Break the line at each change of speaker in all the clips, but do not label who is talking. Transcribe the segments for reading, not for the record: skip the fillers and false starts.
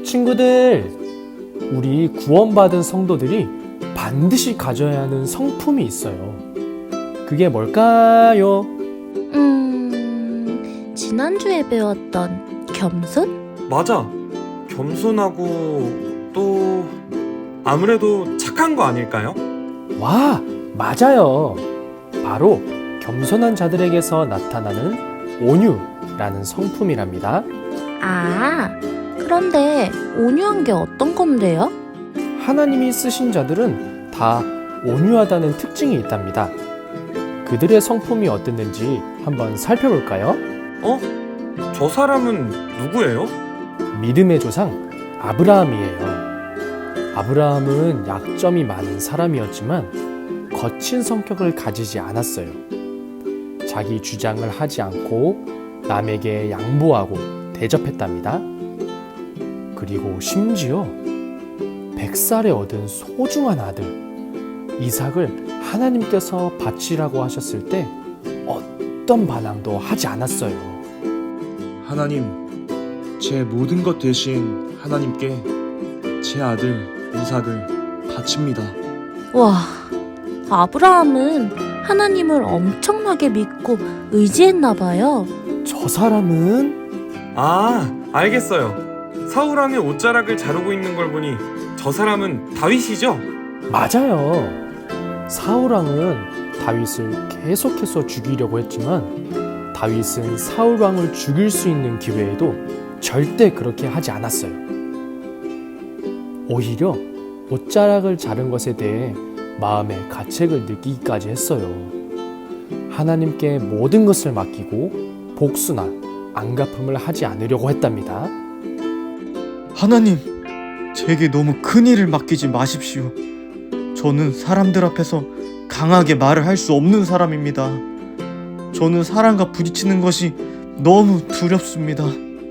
친구들, 우리 구원받은 성도들이 반드시 가져야 하는 성품이 있어요. 그게 뭘까요?
지난주에 배웠던 겸손?
맞아. 겸손하고 또 아무래도 착한 거 아닐까요?
와, 맞아요. 바로 겸손한 자들에게서 나타나는 온유라는 성품이랍니다.
아, 그런데 온유한 게 어떤 건데요?
하나님이 쓰신 자들은 다 온유하다는 특징이 있답니다. 그들의 성품이 어땠는지 한번 살펴볼까요?
저 사람은 누구예요?
믿음의 조상 아브라함이에요. 아브라함은 약점이 많은 사람이었지만 거친 성격을 가지지 않았어요. 자기 주장을 하지 않고 남에게 양보하고 대접했답니다. 그리고 심지어 100살에 얻은 소중한 아들 이삭을 하나님께서 바치라고 하셨을 때 어떤 반항도 하지 않았어요.
하나님, 제 모든 것 대신 하나님께 제 아들 이삭을 바칩니다.
와, 아브라함은 하나님을 엄청나게 믿고 의지했나 봐요.
저 사람은
아, 알겠어요. 사울왕의 옷자락을 자르고 있는 걸 보니 저 사람은 다윗이죠?
맞아요. 사울왕은 다윗을 계속해서 죽이려고 했지만 다윗은 사울왕을 죽일 수 있는 기회에도 절대 그렇게 하지 않았어요. 오히려 옷자락을 자른 것에 대해 마음의 가책을 느끼기까지 했어요. 하나님께 모든 것을 맡기고 복수나 안갚음을 하지 않으려고 했답니다.
하나님, 제게 너무 큰 일을 맡기지 마십시오. 저는 사람들 앞에서 강하게 말을 할 수 없는 사람입니다. 저는 사람과 부딪히는 것이 너무 두렵습니다.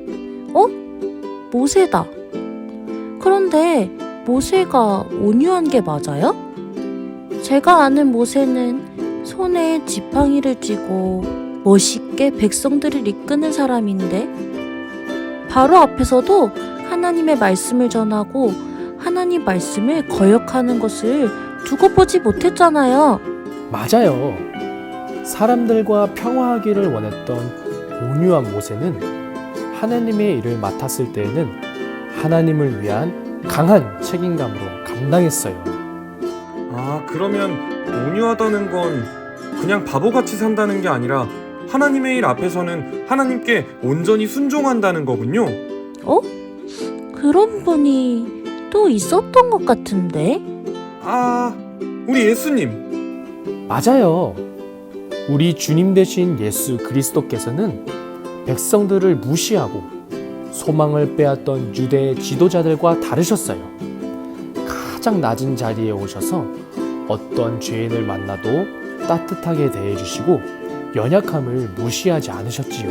모세다. 그런데 모세가 온유한 게 맞아요? 제가 아는 모세는 손에 지팡이를 쥐고 멋있게 백성들을 이끄는 사람인데 바로 앞에서도 하나님의 말씀을 전하고 하나님 말씀을 거역하는 것을 두고 보지 못했잖아요.
맞아요. 사람들과 평화하기를 원했던 온유한 모세는 하나님의 일을 맡았을 때에는 하나님을 위한 강한 책임감으로 감당했어요.
아, 그러면 온유하다는 건 그냥 바보같이 산다는 게 아니라 하나님의 일 앞에서는 하나님께 온전히 순종한다는 거군요.
그런 분이 또 있었던 것 같은데?
아, 우리 예수님.
맞아요. 우리 주님 되신 예수 그리스도께서는 백성들을 무시하고 소망을 빼앗던 유대 지도자들과 다르셨어요. 가장 낮은 자리에 오셔서 어떤 죄인을 만나도 따뜻하게 대해주시고 연약함을 무시하지 않으셨지요.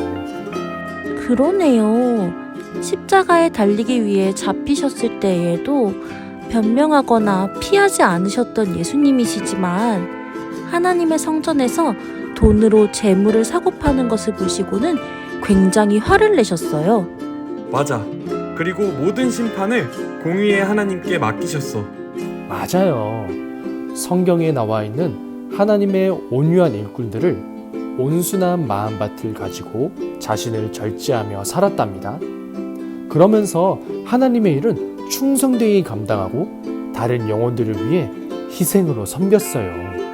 그러네요. 십자가에 달리기 위해 잡히셨을 때에도 변명하거나 피하지 않으셨던 예수님이시지만 하나님의 성전에서 돈으로 재물을 사고 파는 것을 보시고는 굉장히 화를 내셨어요.
맞아. 그리고 모든 심판을 공의의 하나님께 맡기셨어.
맞아요. 성경에 나와 있는 하나님의 온유한 일꾼들을 온순한 마음밭을 가지고 자신을 절제하며 살았답니다. 그러면서 하나님의 일은 충성되이 감당하고 다른 영혼들을 위해 희생으로 섬겼어요.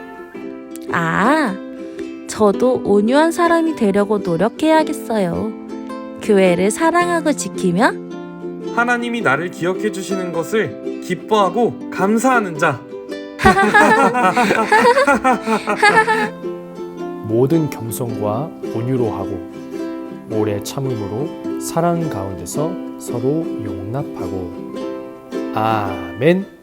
아, 저도 온유한 사람이 되려고 노력해야겠어요. 교회를 사랑하고 지키며
하나님이 나를 기억해 주시는 것을 기뻐하고 감사하는 자.
모든 겸손과 온유로 하고 오래 참음으로 사랑 가운데서 서로 용납하고. 아멘.